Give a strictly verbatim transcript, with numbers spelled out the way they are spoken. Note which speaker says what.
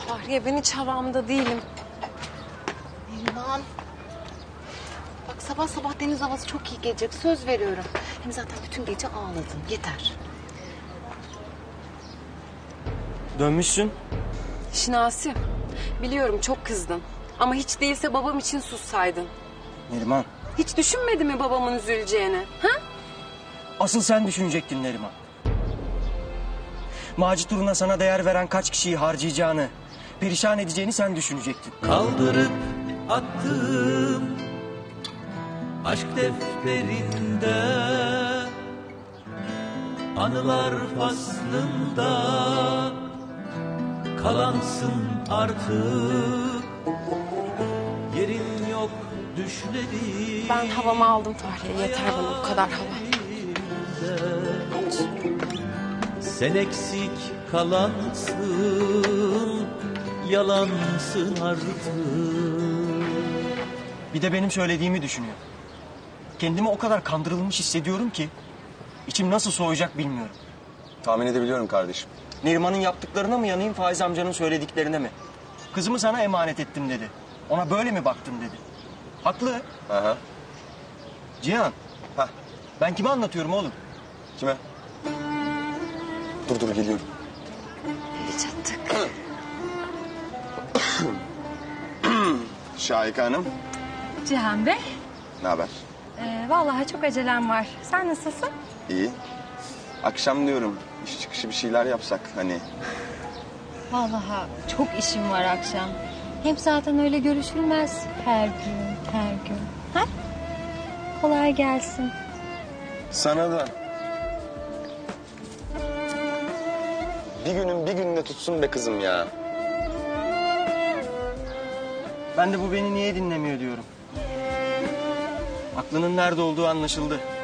Speaker 1: Fahriye ben hiç havamda değilim.
Speaker 2: Neriman. Bak sabah sabah deniz havası çok iyi gelecek. Söz veriyorum. Hem zaten bütün gece ağladın. Yeter.
Speaker 3: Dönmüşsün.
Speaker 1: Şinasi, biliyorum çok kızdın. Ama hiç değilse babam için sussaydın.
Speaker 3: Neriman.
Speaker 1: Hiç düşünmedi mi babamın üzüleceğini? Ha?
Speaker 3: Asıl sen düşünecektin Neriman. Macit uğruna sana değer veren kaç kişiyi harcayacağını, perişan edeceğini sen düşünecektin.
Speaker 4: Kaldırıp attım aşk defterinde, anılar faslında kalansın artık. Yerin yok düşlerim.
Speaker 1: Ben havamı aldım Fahriye. Yeter bana bu kadar hava.
Speaker 4: Sen eksik kalansın, yalansın artık.
Speaker 3: Bir de benim söylediğimi düşünüyor. Kendimi o kadar kandırılmış hissediyorum ki içim nasıl soğuyacak bilmiyorum.
Speaker 5: Tahmin edebiliyorum kardeşim.
Speaker 3: Neriman'ın yaptıklarına mı yanayım, Faiz amcanın söylediklerine mi? Kızımı sana emanet ettim dedi. Ona böyle mi baktın dedi. Haklı.
Speaker 5: Aha.
Speaker 3: Cihan,
Speaker 5: Hah.
Speaker 3: ben kime anlatıyorum oğlum?
Speaker 5: Kime? Dur dur geliyorum.
Speaker 1: Çattık.
Speaker 5: Şahika Hanım.
Speaker 6: Cihan Bey,
Speaker 5: Ne haber?
Speaker 6: ee, vallahi çok acelem var. Sen nasılsın?
Speaker 5: İyi. Akşam diyorum iş çıkışı bir şeyler yapsak hani.
Speaker 6: Vallahi çok işim var akşam. Hem zaten öyle görüşülmez her gün, her gün. Ha? Kolay gelsin.
Speaker 5: Sana da. Bir günün bir gününe tutsun be kızım ya.
Speaker 3: Ben de bu beni niye dinlemiyor diyorum. Aklının nerede olduğu anlaşıldı.